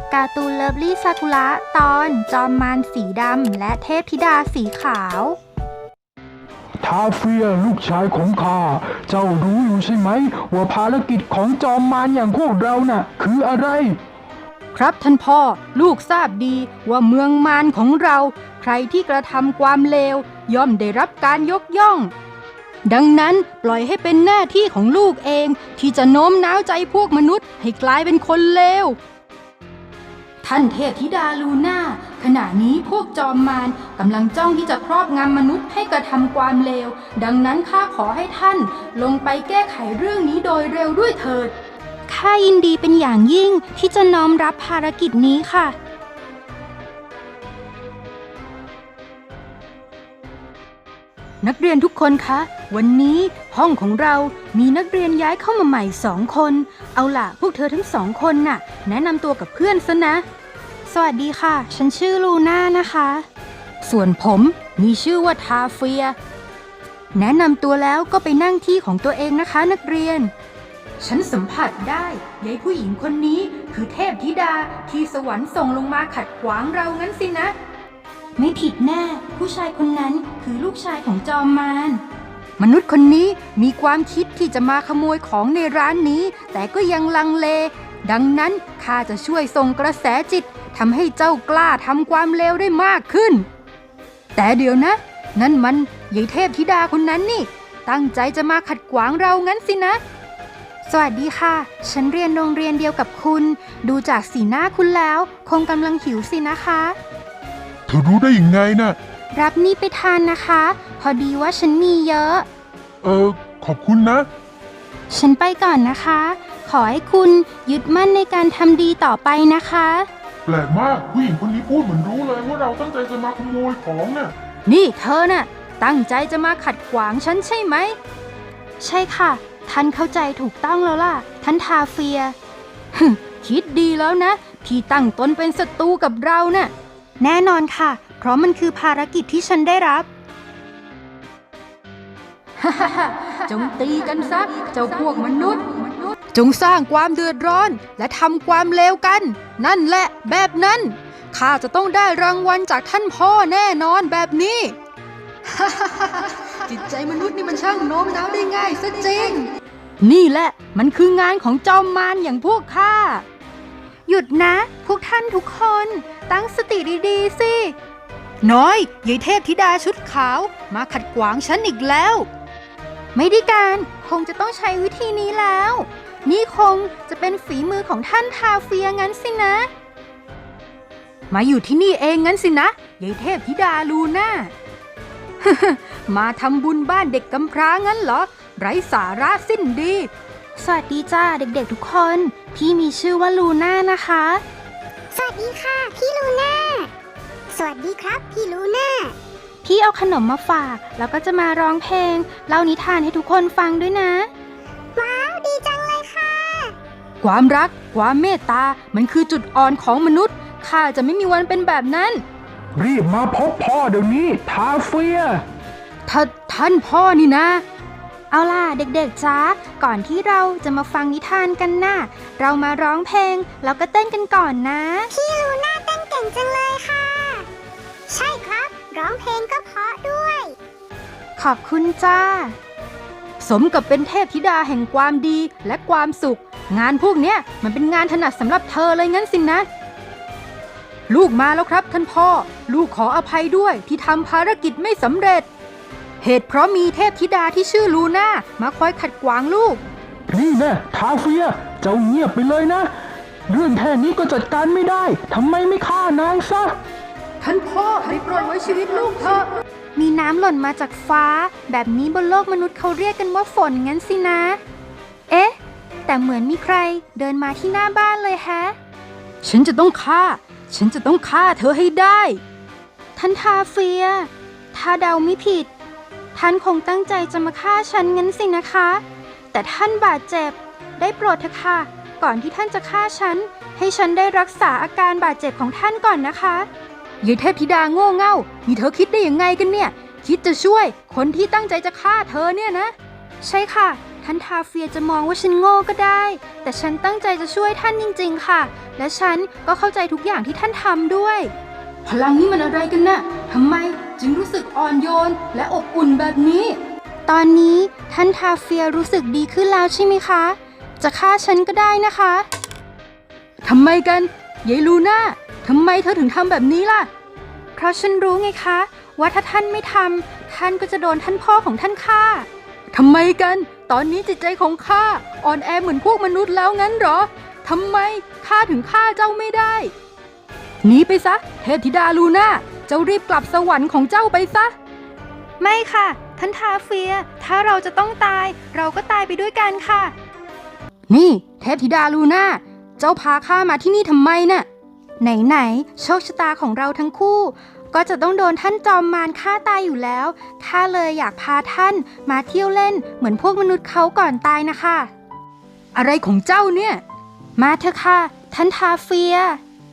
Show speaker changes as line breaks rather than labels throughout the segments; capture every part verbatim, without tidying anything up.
การ์ตูนเลิฟลี่ซากุระตอนจอมมารสีดำและเทพธิดาสีขาว
ทาเฟียลูกชายของข้าเจ้ารู้อยู่ใช่ไหมว่าภารกิจของจอมมารอย่างพวกเราน่ะคืออะไร
ครับท่านพ่อลูกทราบดีว่าเมืองมารของเราใครที่กระทำความเลวย่อมได้รับการยกย่องดังนั้นปล่อยให้เป็นหน้าที่ของลูกเองที่จะโน้มน้าวใจพวกมนุษย์ให้กลายเป็นคนเลวท่านเทพธิดาลูน่าขณะนี้พวกจอมมารกำลังจ้องที่จะครอบงำมนุษย์ให้กระทำความเลวดังนั้นข้าขอให้ท่านลงไปแก้ไขเรื่องนี้โดยเร็วด้วยเถิด
ข้ายินดีเป็นอย่างยิ่งที่จะน้อมรับภารกิจนี้ค่ะ
นักเรียนทุกคนคะวันนี้ห้องของเรามีนักเรียนย้ายเข้ามาใหม่สองคนเอาล่ะพวกเธอทั้งสองคนน่ะแนะนำตัวกับเพื่อนซะนะ
สวัสดีค่ะฉันชื่อลูน่านะคะ
ส่วนผมมีชื่อว่าทาเฟียแนะนำตัวแล้วก็ไปนั่งที่ของตัวเองนะคะนักเรียนฉันสัมผัสได้ยายผู้หญิงคนนี้คือเทพธิดาที่สวรรค์ส่งลงมาขัดขวางเรางั้นสินะ
ไม่ผิดแน่ผู้ชายคนนั้นคือลูกชายของจอมมาร
มนุษย์คนนี้มีความคิดที่จะมาขโมยของในร้านนี้แต่ก็ยังลังเลดังนั้นข้าจะช่วยส่งกระแสจิตทำให้เจ้ากล้าทำความเลวได้มากขึ้นแต่เดี๋ยวนะนั่นมันยายเทพธิดาคนนั้นนี่ตั้งใจจะมาขัดขวางเรางั้นสินะ
สวัสดีค่ะฉันเรียนโรงเรียนเดียวกับคุณดูจากสีหน้าคุณแล้วคงกำลังหิวสินะคะ
เธอรู้ได้ยังไงนะ่ะ
รับนี่ไปทานนะคะพอดีว่าฉันมีเยอะ
เออขอบคุณนะ
ฉันไปก่อนนะคะขอให้คุณยึดมั่นในการทำดีต่อไปนะคะ
แปลกมากผู้หญิงคนนี้พูดเหมือนรู้เลยว่าเราตั้งใจจะมาขโมยของน่ะ
นี่เธอน่ะตั้งใจจะมาขัดขวางฉันใช่ไหม
ใช่ค่ะท่านเข้าใจถูกต้องแล้วล่ะท่านทาเฟีย
คิดดีแล้วนะที่ตั้งตนเป็นศัตรูกับเราน่ะ
แน่นอนค่ะเพราะมันคือภารกิจที่ฉันได้รับ
จงตีกันซะเจ้าพวกมนุษย์จงสร้างความเดือดร้อนและทำความเลวกันนั่นแหละแบบนั้นข้าจะต้องได้รางวัลจากท่านพ่อแน่นอนแบบนี้จิตใจมนุษย์นี่มันช่างโน้มน้าวได้ง่ายซะจริงนี่แหละมันคืองานของจอมมารอย่างพวกข้า
หยุดนะพวกท่านทุกคนตั้งสติดีๆสิ
น้อยยายเทพธิดาชุดขาวมาขัดขวางฉันอีกแล้ว
ไม่ได้การคงจะต้องใช้วิธีนี้แล้วนี่คงจะเป็นฝีมือของท่านทาเฟียงั้นสินะ
มาอยู่ที่นี่เองงั้นสินะยายเทพธิดาลูน่า มาทำบุญบ้านเด็กกำพร้างั้นเหรอไร้สาระสิ้นดี
สวัสดีจ้าเด็กๆทุกคนพี่มีชื่อว่าลูน่านะคะ
สวัสดีค่ะพี่ลูน่าสวัสดีครับพี่ลูน่า
พี่เอาขนมมาฝากแล้วก็จะมาร้องเพลงเล่านิทานให้ทุกคนฟังด้วยนะ
ว้าวดีจังเลยค่ะ
ความรักความเมตตามันคือจุดอ่อนของมนุษย์ข้าจะไม่มีวันเป็นแบบนั้น
รีบมาพบพ่อเดี๋ยวนี้ทาเฟีย
ท่านท่านพ่อนี่นะ
เอาล่ะเด็กๆจ้าก่อนที่เราจะมาฟังนิทานกันนะเรามาร้องเพลงแล้วก็เต้นกันก่อนนะ
พี่ลูน่าเต้นเก่งจังเลยค่ะใช่ครับร้องเพลงก็เพราะด้วย
ขอบคุณจ้า
สมกับเป็นเทพธิดาแห่งความดีและความสุขงานพวกเนี้ยมันเป็นงานถนัดสำหรับเธอเลยงั้นสินะลูกมาแล้วครับท่านพ่อลูกขออภัยด้วยที่ทำภารกิจไม่สำเร็จเหตุเพราะมีเทพธิดาที่ชื่อลูน่ามาคอยขัดขวางลูก
นี่แน่ทาเฟียเจ้าเงียบไปเลยนะเรื่องแค่นี้ก็จัดการไม่ได้ทำไมไม่ฆ่านางซะ
ท่านพ่อได้โปรดไว้ชีวิตลูกเถอะ
มีน้ำหล่นมาจากฟ้าแบบนี้บนโลกมนุษย์เขาเรียกกันว่าฝนงั้นสินะเอ๊ะแต่เหมือนมีใครเดินมาที่หน้าบ้านเลยแฮะ
ฉันจะต้องฆ่าฉันจะต้องฆ่าเธอให้ได้
ท่านทาเฟียถ้าเดาไม่ผิดท่านคงตั้งใจจะมาฆ่าฉันงั้นสินะคะแต่ท่านบาดเจ็บได้โปรดเถอะค่ะก่อนที่ท่านจะฆ่าฉันให้ฉันได้รักษาอาการบาดเจ็บของท่านก่อนนะคะ
ยายเทพธิดาโง่เง่านี่เธอคิดได้ยังไงกันเนี่ยคิดจะช่วยคนที่ตั้งใจจะฆ่าเธอเนี่ยนะ
ใช่ค่ะท่านทาเฟียจะมองว่าฉันโง่ก็ได้ แต่ฉันตั้งใจจะช่วยท่านจริงๆค่ะ และฉันก็เข้าใจทุกอย่างที่ท่านทำด้วย
พลังนี้มันอะไรกันนะ่ะทำไมจึงรู้สึกอ่อนโยนและอบอุ่นแบบนี้
ตอนนี้ท่านทาเฟียรู้สึกดีขึ้นแล้วใช่ไหมคะ จะฆ่าฉันก็ได้นะคะ
ทำไมกันยายลูน่าทำไมเธอถึงทำแบบนี้ล่ะ
เพราะฉันรู้ไงคะ ว่าถ้าท่านไม่ทำท่านก็จะโดนท่านพ่อของท่านฆ่า
ทำไมกัน ตอนนี้จิตใจของข้าอ่อนแอเหมือนพวกมนุษย์แล้วงั้นเหรอ ทำไมข้าถึงฆ่าเจ้าไม่ได้ หนีไปซะ เทพธิดาลูน่า เจ้ารีบกลับสวรรค์ของเจ้าไปซะ
ไม่ค่ะ ท่านทาเฟีย ถ้าเราจะต้องตาย เราก็ตายไปด้วยกันค่ะ
นี่เทพธิดาลูน่า เจ้าพาข้ามาที่นี่ทำไมน่ะ
ไหนๆโชคชะตาของเราทั้งคู่ ก็จะต้องโดนท่านจอมมารฆ่าตายอยู่แล้วข้าเลยอยากพาท่านมาเที่ยวเล่นเหมือนพวกมนุษย์เขาก่อนตายนะคะ
อะไรของเจ้าเนี่ย
มาเถอะค่ะ ท่านทาเฟีย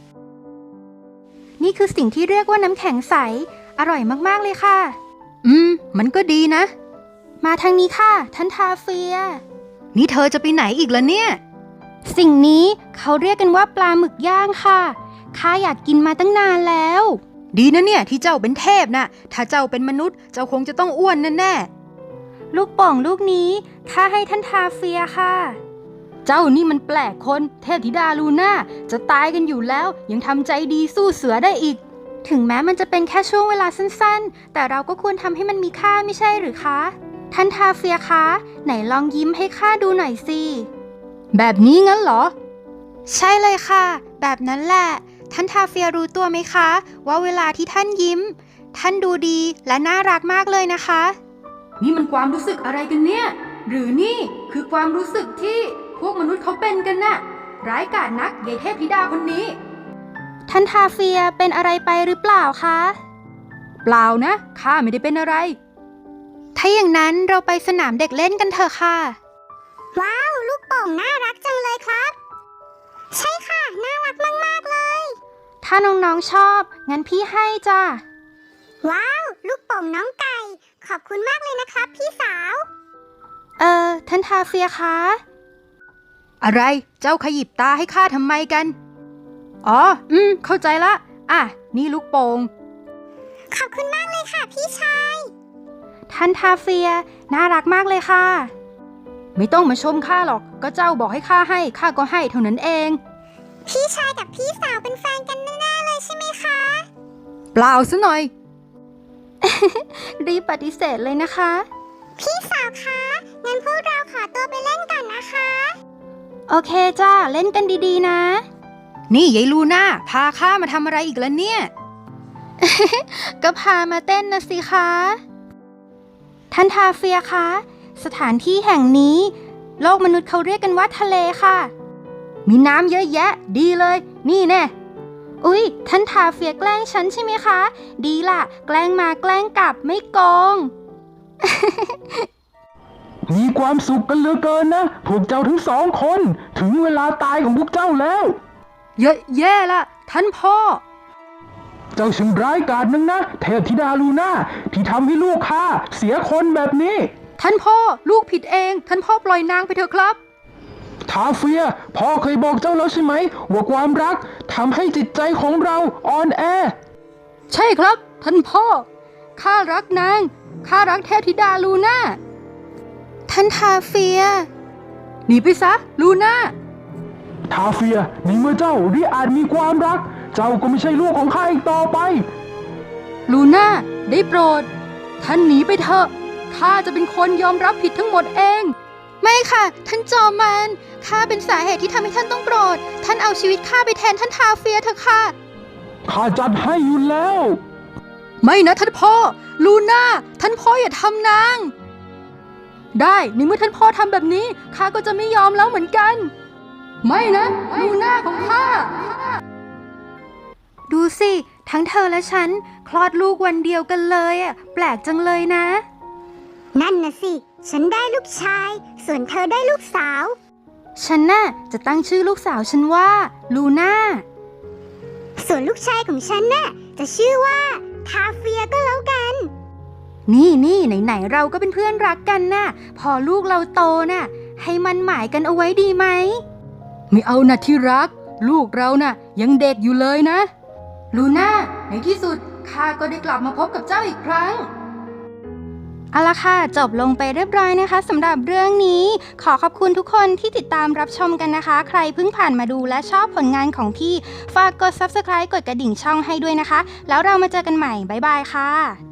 นี่คือสิ่งที่เรียกว่าน้ำแข็งใส อร่อยมากๆเลยค่ะ
อืม มันก็ดีนะ
มาทางนี้ค่ะ ท่านทาเฟีย
นี่เธอจะไปไหนอีกล่ะเนี่ย
สิ่งนี้เขาเรียกกันว่าปลาหมึกย่างค่ะข้าอยากกินมาตั้งนานแล้ว
ดีนะเนี่ยที่เจ้าเป็นเทพนะถ้าเจ้าเป็นมนุษย์เจ้าคงจะต้องอ้วนแน่ๆ
ลูกโป่งลูกนี้ข้าให้ท่านทาเฟียค่ะ
เจ้านี่มันแปลกคนเทพธิดาลูน่าจะตายกันอยู่แล้วยังทำใจดีสู้เสือได้อีก
ถึงแม้มันจะเป็นแค่ช่วงเวลาสั้นๆแต่เราก็ควรทำให้มันมีค่าไม่ใช่หรือคะท่านทาเฟียคะไหนลองยิ้มให้ข้าดูหน่อยสิ
แบบนี้งั้นเหรอ
ใช่เลยค่ะแบบนั้นแหละท่านทาเฟียรู้ตัวไหมคะว่าเวลาที่ท่านยิ้มท่านดูดีและน่ารักมากเลยนะคะ
นี่มันความรู้สึกอะไรกันเนี่ยหรือนี่คือความรู้สึกที่พวกมนุษย์เขาเป็นกันน่ะร้ายกาจนักยายเทพธิดาคนนี้
ท่านทาเฟียเป็นอะไรไปหรือเปล่าคะ
เปล่านะข้าไม่ได้เป็นอะไร
ถ้าอย่างนั้นเราไปสนามเด็กเล่นกันเถอะค่ะ
ว้าวลูกโป่งน่ารักจังเลยครับใช่ค่ะน่ารักมากๆเลย
ถ้าน้องๆชอบงั้นพี่ให้จ้า
ว้าวลูกโป่งน้องไก่ขอบคุณมากเลยนะครับพี่สาว
เอ่อท่านทาเฟียคะ
อะไรเจ้าขยิบตาให้ข้าทำไมกันอ๋ออืมเข้าใจละอ่ะนี่ลูกโป่ง
ขอบคุณมากเลยค่ะพี่ชาย
ท่านทาเฟียน่ารักมากเลยค่ะ
ไม่ต้องมาชมข้าหรอกก็เจ้าบอกให้ข้าให้ข้าก็ให้เท่านั้นเอง
พี่ชายกับพี่สาวเป็นแฟนกันแน่ๆเลยใช่ไหมคะ
เปล่าซะหน่อย
รีบปฏิเสธเลยนะคะ
พี่สาวคะงั้นพวกเราขอตัวไปเล่นก่อนนะคะ
โอเคจ้าเล่นกันดีๆนะ
นี่ยายลูน่าพาข้ามาทำอะไรอีกแล้วเนี่ย
ก็พามาเต้นนะสิคะท่านทาเฟียคะสถานที่แห่งนี้โลกมนุษย์เขาเรียกกันว่าทะเลค่ะ
มีน้ำเยอะแยะดีเลยนี่แน่
อุ๊ยท่านทาเฟียแกล้งฉันใช่ไหมคะดีล่ะแกล้งมาแกล้งกลับไม่โกง
มีความสุขกันเหลือเกินนะพวกเจ้าทั้งสองคนถึงเวลาตายของพวกเจ้าแล้ว
เยอะแย่ละท่านพ่อ
เจ้าช่างร้ายกาจนักนะเทพธิดาลูน่าที่ทำให้ลูกข้าเสียคนแบบนี้
ท่านพ่อลูกผิดเองท่านพ่อปล่อยนางไปเถอะครับ
ทาเฟียพ่อเคยบอกเจ้าแล้วใช่ไหมว่าความรักทำให้จิตใจของเราอ่อนแอ
ใช่ครับท่านพ่อข้ารักนางข้ารักเทพธิดาลูน่า
ท่านทาเฟีย
หนีไปซะลูน่า
ทาเฟียในเมื่อเจ้าริอาจมีความรักเจ้าก็ไม่ใช่ลูกของข้าอีกต่อไป
ลูน่าได้โปรดท่านหนีไปเถอะข้าจะเป็นคนยอมรับผิดทั้งหมดเอง
ไม่ค่ะท่านจอมมารข้าเป็นสาเหตุที่ทำให้ท่านต้องโกรธท่านเอาชีวิตข้าไปแทนท่านทาเฟียเถอะค่ะ
ข้าจัดให้อยู่แล้ว
ไม่นะท่านพ่อลูน่าท่านพ่ออย่าทำนางได้ในเมื่อท่านพ่อทำแบบนี้ข้าก็จะไม่ยอมแล้วเหมือนกันไม่นะลูน่าของข้า
ดูสิทั้งเธอและฉันคลอดลูกวันเดียวกันเลยอ่ะแปลกจังเลยนะ
นั่นน่ะสิฉันได้ลูกชายส่วนเธอได้ลูกสาว
ฉันน่ะจะตั้งชื่อลูกสาวฉันว่าลูน่า
ส่วนลูกชายของฉันน่ะจะชื่อว่าทาเฟียก็แล้วกัน
นี่นี่ไหนๆเราก็เป็นเพื่อนรักกันน่ะ พอลูกเราโตน่ะ ให้มันหมายกันเอาไว้ดีไหม
ไม่เอานะที่รัก ลูกเราน่ะ ยังเด็กอยู่เลยนะ ลูน่าในที่สุดข้าก็ได้กลับมาพบกับเจ้าอีกครั้ง
เอาละค่ะจบลงไปเรียบร้อยนะคะสำหรับเรื่องนี้ ขอขอบคุณทุกคนที่ติดตามรับชมกันนะคะ ใครเพิ่งผ่านมาดูและชอบผลงานของพี่ฝากกด ซับสไครบ์ กดกระดิ่งช่องให้ด้วยนะคะ แล้วเรามาเจอกันใหม่บ๊ายบายค่ะ